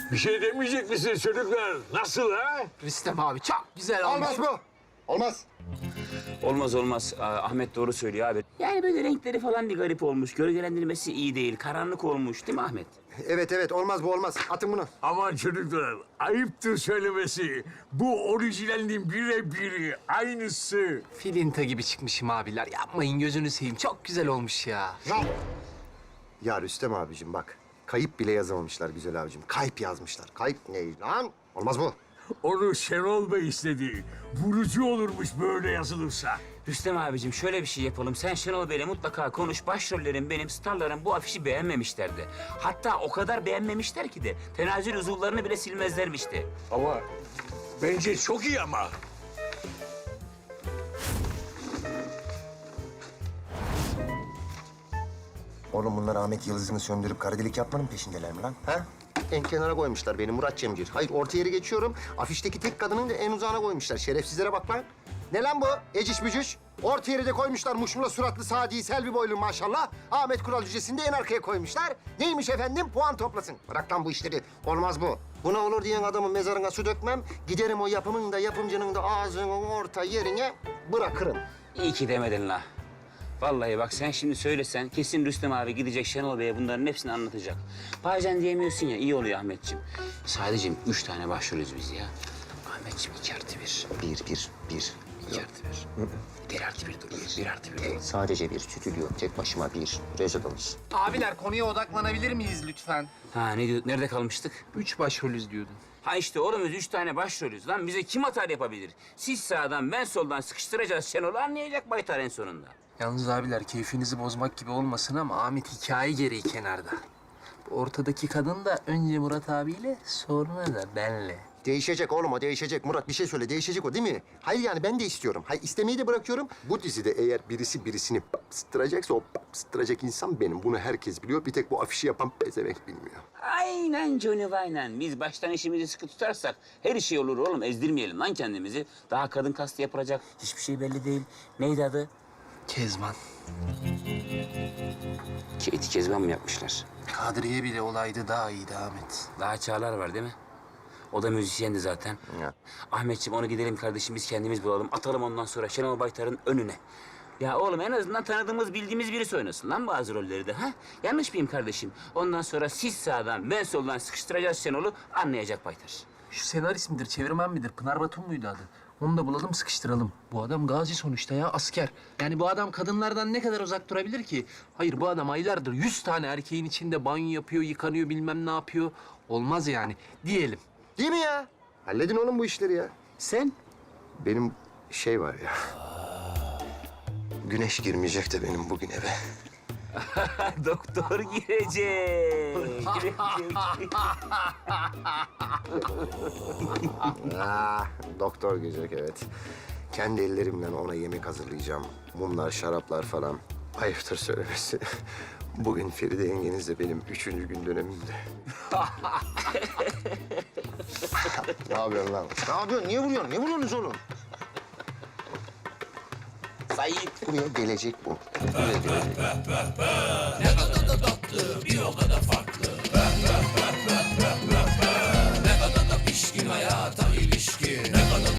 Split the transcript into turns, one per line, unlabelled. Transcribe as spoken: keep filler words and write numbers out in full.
Bir şey demeyecek misiniz çocuklar? Nasıl ha?
Rüstem abi çok güzel olmuş.
Olmaz bu. Olmaz.
Olmaz olmaz. Aa, Ahmet doğru söylüyor abi. Yani böyle renkleri falan bir garip olmuş. Gölgelendirmesi iyi değil. Karanlık olmuş değil mi Ahmet?
Evet evet olmaz bu olmaz. Atın bunu.
Aman çocuklar, ayıptır söylemesi. Bu orijinalinin birebiri, aynısı.
Filinta gibi çıkmışım abiler. Yapmayın gözünü seveyim. Çok güzel olmuş ya.
Ya. Ya Rüstem abicim bak. Kayıp bile yazamamışlar güzel abicim. Kayıp yazmışlar. Kayıp ne lan? Olmaz bu.
Onu Şenol Bey istedi. Vurucu olurmuş böyle yazılırsa.
Rüstem abicim şöyle bir şey yapalım. Sen Şenol Bey'le mutlaka konuş. Başrollerin benim, starların bu afişi beğenmemişlerdi. Hatta o kadar beğenmemişler ki de tenazül uzuvlarını bile silmezlermişti.
Ama bence çok iyi ama.
Oğlum bunlar Ahmet Yıldız'ını söndürüp kara delik yapmanın peşindeler mi lan? Ha? En kenara koymuşlar beni Murat Cemcir. Hayır orta yeri geçiyorum. Afişteki tek kadının da en uzağına koymuşlar. Şerefsizlere bak lan. Ne lan bu? Eciş bücüş. Orta yeri de koymuşlar muşmula suratlı Sadi Selvi boylu maşallah. Ahmet Kural Cücesi'ni de en arkaya koymuşlar. Neymiş efendim? Puan toplasın. Bırak lan bu işleri. Olmaz bu. Buna olur diyen adamın mezarına su dökmem. Giderim o yapımın da yapımcının da ağzının orta yerine bırakırım.
İyi ki demedin la. Vallahi bak sen şimdi söylesen kesin Rüstem abi gidecek Şenol Bey'e bunların hepsini anlatacak. Bazen diyemiyorsun ya iyi oluyor Ahmetciğim. Sadece üç tane başrolüz biz ya. Ahmetciğim iki artı bir.
Bir, bir, bir.
İki artı bir. Bir artı bir dur. Bir, bir artı bir dur.
Sadece bir stüdyo. Tek başıma bir. Rezidans.
Abiler konuya odaklanabilir miyiz lütfen?
Ha ne diyor? Nerede kalmıştık?
Üç başrolüz diyordun.
Ha işte oğlum biz üç tane başrolüz lan. Bize kim atar yapabilir? Siz sağdan ben soldan sıkıştıracağız Şenol'u anlayacak Baytar en sonunda.
Yalnız abiler keyfinizi bozmak gibi olmasın ama Ahmet hikaye gereği kenarda. Bu ortadaki kadın da önce Murat abiyle sonra da benle.
Değişecek oğlum o değişecek. Murat bir şey söyle değişecek o değil mi? Hayır yani ben de istiyorum. Hayır istemeyi de bırakıyorum. Bu dizide eğer birisi birisini bastıracaksa o bastıracak insan benim. Bunu herkes biliyor. Bir tek bu afişi yapan pezevenk bilmiyor.
Aynen Johnny aynen. Biz baştan işimizi sıkı tutarsak her şey olur oğlum. Ezdirmeyelim lan kendimizi. Daha kadın kastı yapılacak. Hiçbir şey belli değil. Neydi adı?
Kezban.
Katie Kezban mı yapmışlar?
Kadriye bile olaydı daha iyiydi Ahmet.
Daha Çağlar var değil mi? O da müzisyendi zaten.
Ya.
Ahmetciğim onu gidelim kardeşim biz kendimiz bulalım. Atalım ondan sonra Şenol Baytar'ın önüne. Ya oğlum en azından tanıdığımız, bildiğimiz birisi oynasın lan bazı rolleri de ha? Yanlış mıyım kardeşim? Ondan sonra siz sağdan, ben soldan sıkıştıracağız Şenol'u anlayacak Baytar.
Şu senarist midir, çevirmen midir? Pınar Batum muydu adı? Onu da bulalım, sıkıştıralım. Bu adam gazi sonuçta ya, asker. Yani bu adam kadınlardan ne kadar uzak durabilir ki? Hayır, bu adam aylardır yüz tane erkeğin içinde banyo yapıyor, yıkanıyor, bilmem ne yapıyor. Olmaz yani, diyelim.
Değil mi ya? Halledin oğlum bu işleri ya.
Sen?
Benim şey var ya. Güneş girmeyecek de benim bugün eve.
Doktor girecek. girecek.
Ah, doktor gelecek evet. Kendi ellerimle ona yemek hazırlayacağım. Mumlar, şaraplar falan. Ayıptır söylemesi. Bugün Feride yengenizle benim üçüncü gün dönemimde. Ne yapıyorsun lan? Ne yapıyorsun? Niye vuruyorsun? Niye vuruyorsunuz oğlum?
Sayit.
Buraya gelecek bu. Buraya gelecek.
Ne kadar da tatlı, bir o kadar farklı.